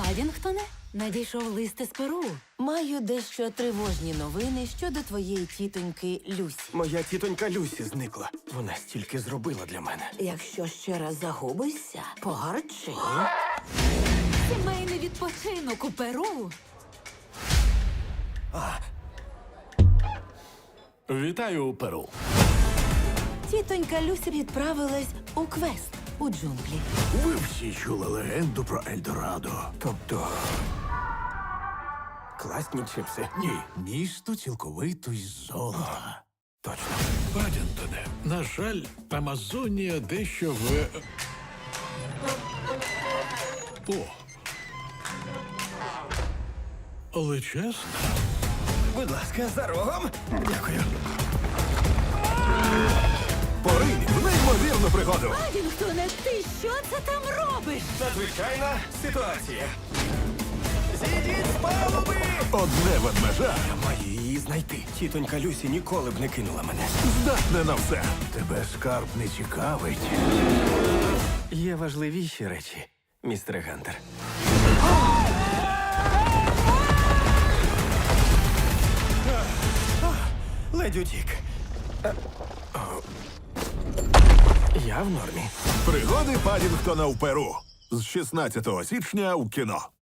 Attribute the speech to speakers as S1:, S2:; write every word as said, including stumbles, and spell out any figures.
S1: Падінгтоне, надійшов лист із Перу.
S2: Маю дещо тривожні новини щодо твоєї тітоньки Люсі.
S3: Моя тітонька Люсі зникла. Вона стільки зробила для мене.
S2: Якщо ще раз загубишся, погарчи.
S1: Сімейний відпочинок у Перу.
S4: Вітаю у Перу.
S2: Тітонька Люсі відправилась у квест у джунглі.
S4: Ви всі чули легенду про Ельдорадо.
S3: Тобто. Класні чипси.
S4: Ні, місто цілковито із золота.
S3: Точно.
S4: Падінтоне, на жаль, Амазонія дещо в... О. Але чесно,
S3: Будь ласка, за рогом. Дякую.
S4: поринь в неймовірну пригоду.
S1: Падінгтоне, ти що це там робиш?
S3: Надзвичайна ситуація. Зійдіть з палуби!
S4: Одне ведмежа
S3: Я маю її знайти. Тітонька Люсі ніколи б не кинула мене.
S4: здатне на все. Тебе скарб не цікавить.
S3: Є важливіші речі, містер Гантер. Ледь утік. Е, о. Я в нормі.
S4: Пригоди Падінгтона в Перу. З шістнадцятого січня у кіно.